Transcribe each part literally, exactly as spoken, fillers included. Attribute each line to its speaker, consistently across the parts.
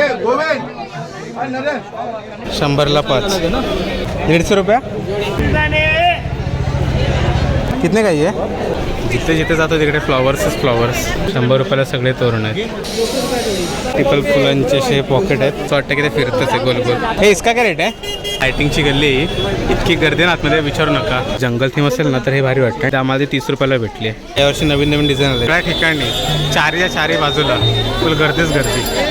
Speaker 1: शंभरला पाच, दीडशे रुपया. कितने का ये? जिथे जिथे जातो तिकडे फ्लॉवर्सच फ्लॉवर्स. शंभर रुपयाला सगळे तोरण आहेत. टिपल फुलांचे असे पॉकेट आहेत. असं वाटतं की ते फिरतच आहे गोल गोल. हे इसका काय रेट आहे? लायटिंगची गल्ली इतकी गर्दी ना आतमध्ये विचारू नका. जंगल थीम असेल ना तर हे भारी वाटतं. आम्हाला ती तीस रुपयाला भेटली आहे. यावर्षी नवीन नवीन डिझाईन आले. त्या ठिकाणी चारच्या चारही बाजूला फुल गर्दीच गर्दी.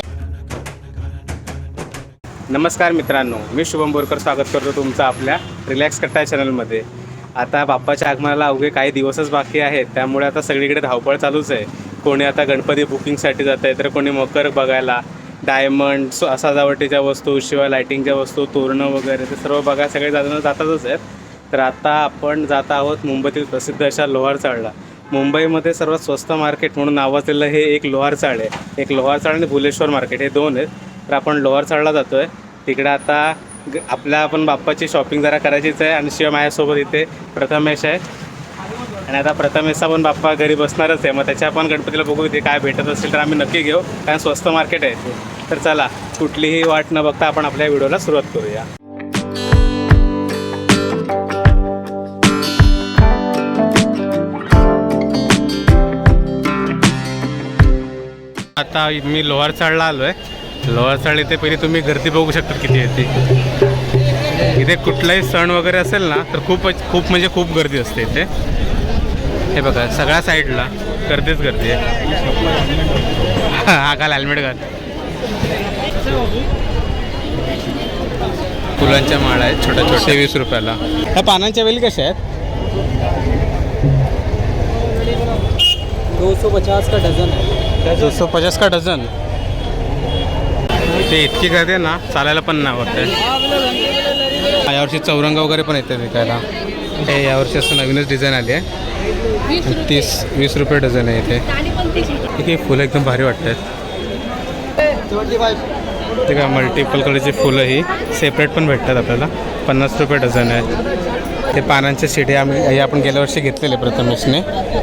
Speaker 1: नमस्कार मित्रांनो, मी शुभम बोरकर स्वागत करतो तुमचं आपल्या रिलॅक्स कट्टा चॅनलमध्ये. आता बाप्पाच्या आगमनाला अवघे काही दिवसच बाकी आहेत, त्यामुळे आता सगळीकडे धावपळ चालूच आहे. कोणी आता गणपती बुकिंगसाठी जात आहे, तर कोणी मकर बघायला, डायमंड सजावटीच्या वस्तू, शिवाय लायटिंगच्या वस्तू, तोरणं वगैरे ते सर्व बघायला सगळे जाताना जातातच आहेत. तर आता आपण जात आहोत मुंबईतील प्रसिद्ध अशा लोहार चाळला. मुंबईमध्ये सर्वात स्वस्त मार्केट म्हणून नावाजलेलं हे एक लोहार चाळ आहे. एक लोहार चाळ आणि भुलेश्वर मार्केट हे दोन आहेत. तर आपण लोहार चाळला जातो आहे. तिकडे आता आपल्या आपण बाप्पाची शॉपिंग जरा करायचीच आहे. आणि शिवाय माझ्यासोबत इथे प्रथमेश आहे. आणि आता प्रथमेशचा पण बाप्पा घरी बसणारच आहे. मग त्याच्या आपण गणपतीला बघू इथे काय भेटत असेल तर आम्ही नक्की घेऊ, कारण स्वस्त मार्केट आहे ते. तर चला, कुठलीही वाट न बघता आपण आपल्या व्हिडिओला सुरुवात करूया. आता मी लोहार चाळला आलो आहे. लोहार चाळ इथे पहिली तुम्ही गर्दी बघू शकता किती येते. इथे कुठलाही सण वगैरे असेल ना तर खूप खूप म्हणजे खूप गर्दी असते इथे. हे बघा सगळ्या साईडला गर्दीच गर्दी आहे. हा घाल, हेल्मेट घाल. फुलांच्या माळा आहेत छोट्या छोट्या, वीस रुपयाला. ह्या पानांच्या वेली कशा आहेत?
Speaker 2: दो सौ पचास का डझन है.
Speaker 1: दो सौ पचास का डझन. ते इतकी गर्दी आहे ना, चालायला पण नाही वाटतं. यावर्षी चौरंग वगैरे पण येते विकायला. हे यावर्षी असं नवीनच डिझाईन आली आहे. तीस वीस रुपये डझन आहे इथे. ही फुलं एकदम भारी वाटतात. ते का मल्टिपल कलरची फुलं ही सेपरेट पण भेटतात आपल्याला. पन्नास रुपये डझन आहे. ते पानांचे शिडे आम्ही हे आपण गेल्या वर्षी घेतलेले प्रथमेशने.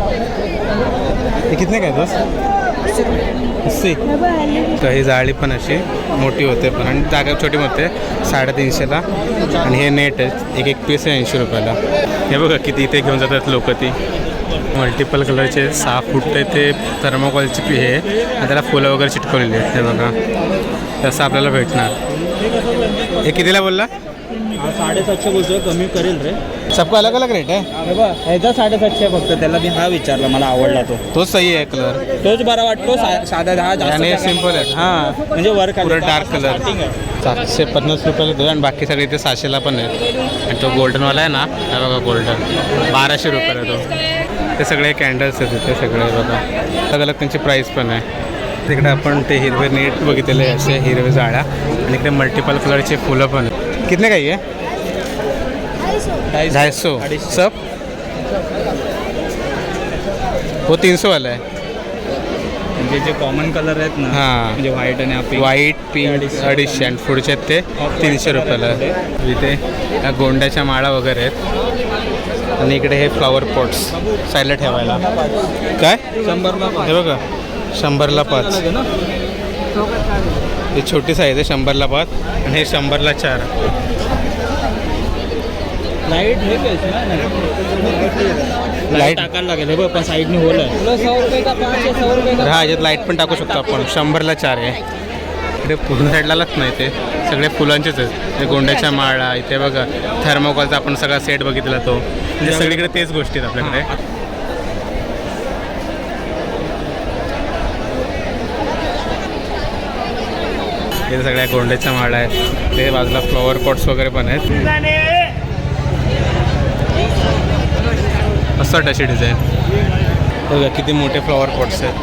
Speaker 1: हे कितने काय दोस्त? अस्सी. तर ही जाळी पण अशी मोठी होते पण, आणि जागा छोटी होते. साडेतीनशेला. आणि हे नेट आहे, एक एक पीस आहे ऐंशी रुपयाला. हे बघा किती इथे घेऊन जातात लोक. ती मल्टिपल कलरचे सहा फूट ते थर्मोकॉलची पी हे, आणि त्याला फुलं वगैरे चिटकवलेली आहेत. हे बघा तसं आपल्याला भेटणार. हे कितीला बोलला?
Speaker 2: साडेसातशे बोलतोय, कमी करेल रे.
Speaker 1: सबका अलग अलग रेट आहे.
Speaker 2: ह्याचा साडेसातशे फक्त. त्याला मी हा विचारला, मला आवडला तो.
Speaker 1: तोच सही आहे कलर.
Speaker 2: तोच बरा वाटतो. साधा दहा
Speaker 1: आणि सिम्पल आहे. हां
Speaker 2: म्हणजे वर
Speaker 1: पुढे डार्क कलर. सातशे पन्नास रुपयाला दो, आणि बाकी सगळे इथे सहाशेला पण आहेत. आणि तो गोल्डनवाला आहे ना, हा बघा गोल्डन, बाराशे रुपयाला तो. ते सगळे कॅन्डल्स आहेत तिथे सगळे बघा. अलग अलग त्यांची प्राईस पण आहे. तिकडे आपण ते हिरवे नेट बघितलेले असे हिरवे जाळ्या, आणि इकडे मल्टिपल कलरचे फुलं पण आहेत. कितने काही आहे? ढाई सौ सब. वो तीन सौ वाला आहे.
Speaker 2: म्हणजे जे कॉमन कलर आहेत ना,
Speaker 1: हां
Speaker 2: म्हणजे व्हाईट आणि
Speaker 1: व्हाईट पिंक अडीचशे, आणि पुढचे आहेत ते तीनशे रुपयाला. इथे ह्या गोंड्याच्या माळा वगैरे आहेत. आणि इकडे हे फ्लॉवर पॉट्स साईडला ठेवायला. काय?
Speaker 2: शंभरला.
Speaker 1: हे बघा शंभरला पाच. ही छोटी साईज आहे, शंभरला पाच. आणि हे शंभरला चार.
Speaker 2: लाईट हे लाईट टाकायला लागेल. हे बघ पण साईडने होल आहे. तुला सौ रुपये का पाच आहे, सौ रुपये का.
Speaker 1: हा याच्यात लाईट पण टाकू शकतो आपण. शंभरला चार आहे. इकडे पूर्ण साईडलाच नाही, ते सगळे फुलांचेच आहेत. ते गोंड्याच्या माळा, इथे बघा थर्मोकॉलचा आपण सगळा सेट बघितला तो. म्हणजे सगळीकडे तेच गोष्टी आहेत आपल्याकडे. इथे सगळ्या गोंड्याच्या माळा आहेत. ते बाजूला फ्लॉवर पॉट्स वगैरे पण आहेत. असं अशी डिझाईन बघा किती मोठे फ्लॉवर पॉट्स आहेत.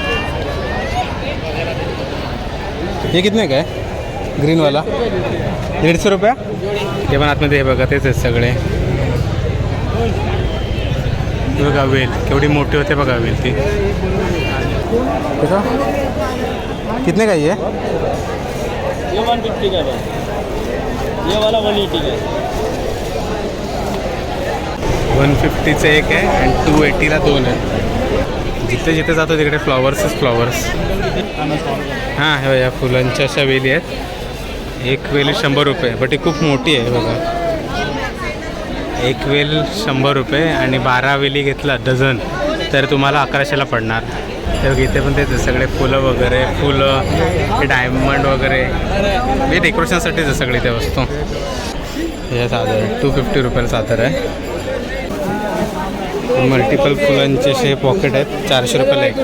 Speaker 1: हे कितने काय? ग्रीनवाला दीडशे रुपया. हे पण आतमध्ये हे बघा तेच आहेत सगळे. बघा वेल केवढी मोठी होते बघा वेल ती. कितने का ये?
Speaker 2: ये वन फिफ्टी का है. ये वाला वन एटी का है.
Speaker 1: वन फिफ्टीचं एक आहे आणि टू एटीला दोन आहे. जिथे जिथे जातो तिकडे फ्लॉवर्सच फ्लॉवर्स. हां हे या फुलांच्या अशा वेली आहेत. एक वेल शंभर रुपये, बट ही खूप मोठी आहे बघा. एक वेल शंभर रुपये आणि बारा वेली घेतला डझन तर तुम्हाला अकराशेला पडणार. तर इथे पण तेच आहे, सगळे फुलं वगैरे, फुलं डायमंड वगैरे हे डेकोरेशनसाठीच आहे सगळी त्या वस्तू. हे चादर टू फिफ्टी रुपयाला चादर आहे. मल्टिपल फुलांचे असे पॉकेट आहेत, चारशे रुपयाला एक.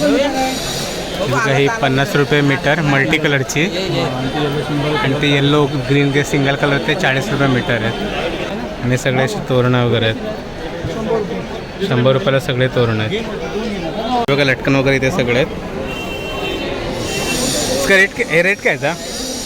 Speaker 1: काही पन्नास रुपये मीटर मल्टी कलरची आणि ते येल्लो ग्रीन ते सिंगल कलर ते चाळीस रुपये मीटर आहेत. आणि सगळे असे तोरणं वगैरे आहेत, शंभर रुपयाला सगळे तोरण आहेत बघा. लटकन वगैरे इथे सगळे आहेत. इसका रेट हे रेट काय याचा?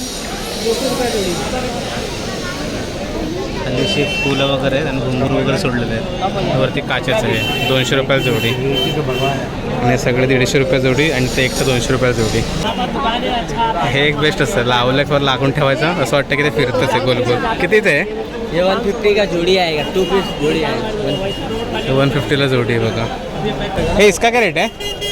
Speaker 1: अशी फुलं वगैरे आहेत आणि घुंगरू वगैरे सोडलेले आहेत. वरती काचेचं आहे, दोनशे रुपयाला जोडी आणि सगळे दीडशे रुपये जोडी आणि ते एकशे दोनशे रुपयाला जोडी. हे एक बेस्ट असतं, लावल्यावर लागून ठेवायचं, असं वाटतं की ते फिरतच आहे गोल गोल. कितीच आहे
Speaker 2: ये वन फिफ्टी का जोड़ी आएगा, टू पीस जोड़ी आएगा.
Speaker 1: वन फिफ्टीला जोडी आहे बघा. हे इसका काय रेट आहे?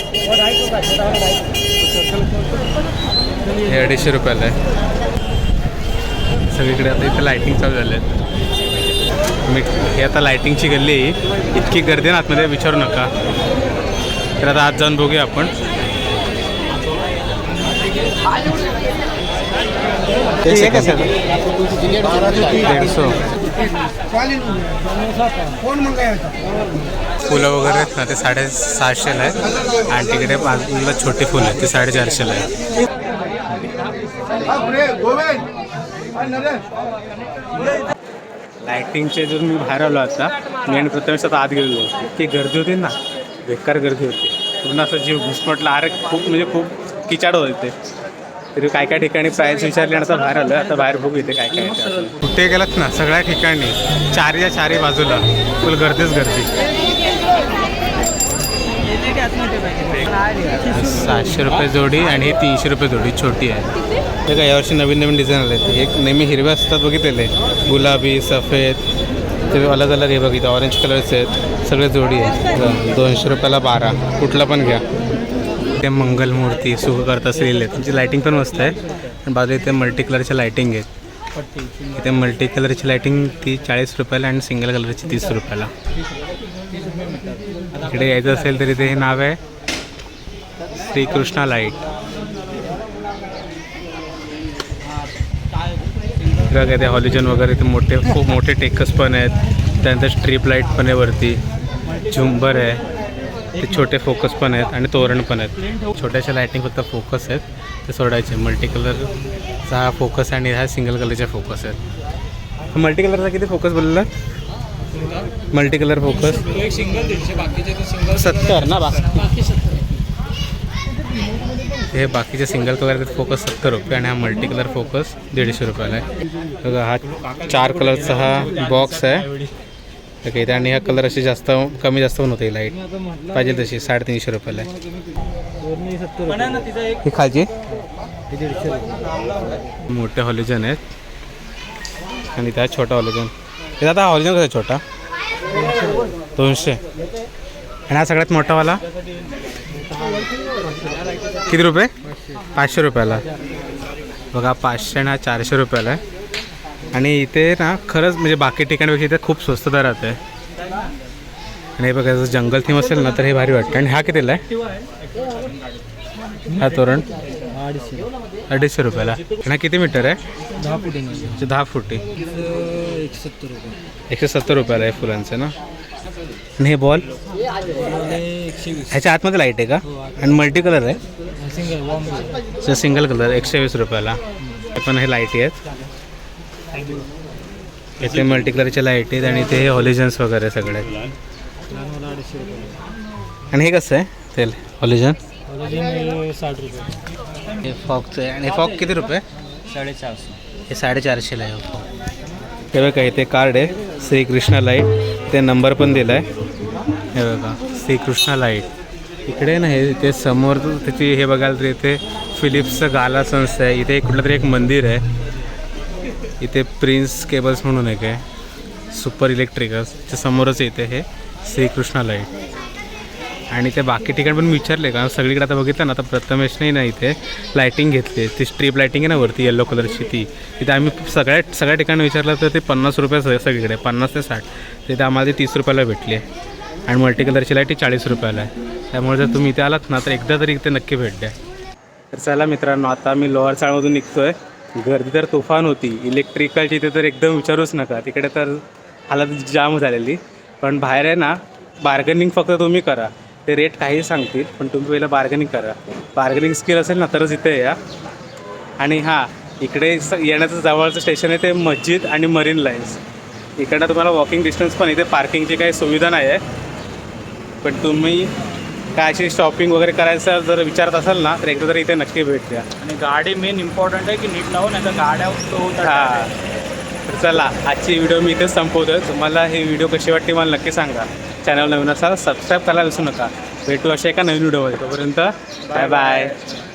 Speaker 1: हे अडीचशे रुपयाला आहे. सगळीकडे आता इथे लायटिंग चालू झाले आहेत. मी हे आता लायटिंगची गल्ली, इतकी गर्दी ना आतमध्ये विचारू नका. तर आता आत जाऊन बघूया आपण. हे कसं दीडशे फुलं वगैरे आहेत ना ते साडेसहाशेला आहेत आणि तिकडे बाजूला छोटी फुलं आहेत ते साडेचारशेला आहेत. लायटिंगचे जर मी बाहेर आलो आता, मी आणि प्रथमेश आता आत गेलेलो, इतकी गर्दी होती ना, बेकार गर्दी होती. पूर्ण असं जीव घुसमटला. अरे खूप म्हणजे खूप किचाड होते. तरी काय काय ठिकाणी प्राईस विचारली आणि आता बाहेर आलं. आता बाहेर बघू इथे काय काय. कुठे गेलात ना सगळ्या ठिकाणी चारच्या चारी बाजूला फुल गर्दीच गर्दी. सातशे रुपये जोडी आणि हे तीनशे रुपये जोडी छोटी आहे. हे काय यावर्षी नवीन नवीन डिझाईन आले आहेत. एक नेहमी हिरव्या असतात बघितलेले, गुलाबी सफेद ते अलग अलग हे बघितलं, ऑरेंज कलरचे आहेत, सगळे जोडी आहे. दोनशे रुपयाला बारा, कुठला पण घ्या. ते मंगलमूर्ती सुख करत असलेले त्यांची लायटिंग पण मस्त आहे. आणि बाजूला इथे मल्टी कलरच्या लायटिंग आहेत. इथे मल्टी कलरची लायटिंग ती चाळीस रुपयाला आणि सिंगल कलरची तीस रुपयाला. इकडे यायचं असेल तर इथे हे नाव आहे श्रीकृष्णा लाईट. बघा ते हॉलिजन वगैरे ते मोठे खूप मोठे टेकस पण आहेत. त्यानंतर स्ट्रीप लाईट पण आहे वरती, झुंबर आहे, ते छोटे फोकस पण आहेत आणि तोरण पण आहेत. छोट्याशा लायटिंग फक्त फोकस आहेत ते सोडायचे. मल्टी कलरचा हा फोकस आणि ह्या सिंगल कलरचे फोकस आहेत. मल्टी कलरचा किती फोकस बोलला? मल्टी कलर फोकस सत्तर ना, बाकी हे बाकीचे सिंगल कलर फोकस सत्तर रुपये आणि हा मल्टी कलर फोकस दीडशे रुपयाला आहे. बघा हा चार कलरचा हा बॉक्स आहे. ओके, आणि हा कलर अशी जास्त कमी जास्त पण होते. लाईट पाहिजे तशी साडेतीनशे रुपयाला आहे. ही खालची मोठे हॉलिजन आहेत आणि त्या छोटा हॉलिजन. हे आता हॉलिजन कसा छोटा दोनशे आणि हा सगळ्यात मोठावाला किती रुपये? पाचशे रुपयाला. बघा पाचशे आणि हा चारशे रुपयाला आहे. आणि इथे ना खरंच म्हणजे बाकी ठिकाणपेक्षा इथे खूप स्वस्त दरात आहे. आणि हे बघा जर जंगल थीम असेल ना तर हे भारी वाटतं. आणि हा कितीला आहे? हा तोरण अडीचशे रुपयाला. आणि हा किती मीटर आहे?
Speaker 2: दहा फुटी
Speaker 1: दहा फुटी
Speaker 2: एकशे सत्तर रुपये
Speaker 1: एकशे सत्तर रुपयाला आहे फुलांचं ना. आणि हे बॉल
Speaker 2: एकशे वीस.
Speaker 1: ह्याच्या आतमध्ये लाईट आहे का? आणि मल्टी कलर आहे,
Speaker 2: सिंगल
Speaker 1: सिंगल कलर एकशे वीस रुपयाला. पण हे लाईटी आहेत. इथे मल्टी कलरच्या लाईट आहेत आणि इथे हे हॉलिजन्स वगैरे सगळे आहेत. आणि हे कसं आहे तेल हॉलिजन?
Speaker 2: साठ रुपये.
Speaker 1: हे फॉकचं आहे. आणि हे फॉक किती रुपये?
Speaker 2: साडेचारशे.
Speaker 1: हे साडेचारशेला आहे फॉक. हे बघा इथे कार्ड आहे श्रीकृष्णा लाईट, ते नंबर पण दिला आहे. हे बघा श्रीकृष्णा लाईट. इकडे ना हे ते समोर त्याची हे बघायला तर इथे फिलिप्सचं गाला संस्था आहे. इथे कुठलं तरी एक मंदिर आहे. इथे प्रिन्स केबल्स म्हणून एक आहे, सुपर इलेक्ट्रिकल्स. त्याच्या समोरच इथे हे श्रीकृष्णा लाईट. आणि ते बाकी ठिकाणी पण मी विचारले कारण सगळीकडे आता बघितलं ना आता प्रथमेशने ना इथे लायटिंग घेतली ती स्ट्रीप लायटिंग आहे ना वरती येल्लो कलरची ती तिथे आम्ही सगळ्या सगळ्या ठिकाणी विचारलं तर ते पन्नास रुपये स- सगळीकडे पन्नास ते साठ तिथे आम्हाला ती तीस रुपयाला भेटली आहे आणि मल्टी कलरची लाईट ही चाळीस रुपयाला आहे त्यामुळे जर तुम्ही इथे आलात ना तर एकदा तरी इथे नक्की भेट द्या. तर चला मित्रांनो आता मी लोअर चाळमधून निघतो आहे. गर्दी तर तुफान होती इलेक्ट्रिकलची इथे तर एकदम विचारूच नका तिकडे तर हालत जाम झालेली पण बाहेर आहे ना बार्गनिंग फक्त तुम्ही करा ते रेट काही सांगतील पण तुम्ही पहिलं बार्गनिंग करा बार्गनिंग स्किल असेल ना तरच इथे या. आणि हां इकडे स येण्याचं जवळचं स्टेशन आहे ते मस्जिद आणि मरीन लाईन्स इकडं तुम्हाला वॉकिंग डिस्टन्स पण इथे पार्किंगची काही सुविधा नाही आहे पण तुम्ही काय अशी शॉपिंग वगैरे करायचं जर विचारत असाल ना तर एकदा तरी इथे नक्की भेट द्या.
Speaker 2: आणि गाडी मेन इम्पॉर्टंट आहे की नीट लावून नाही तर गाड्या होतात.
Speaker 1: हां तर चला आजची व्हिडिओ मी इथेच संपवतो. तुम्हाला ही व्हिडिओ कशी वाटते मला नक्की सांगा. चॅनल नवीन असाल सबस्क्राईब करायला विसरू नका. भेटू अशा एका नवीन व्हिडिओमध्ये तोपर्यंत बाय बाय.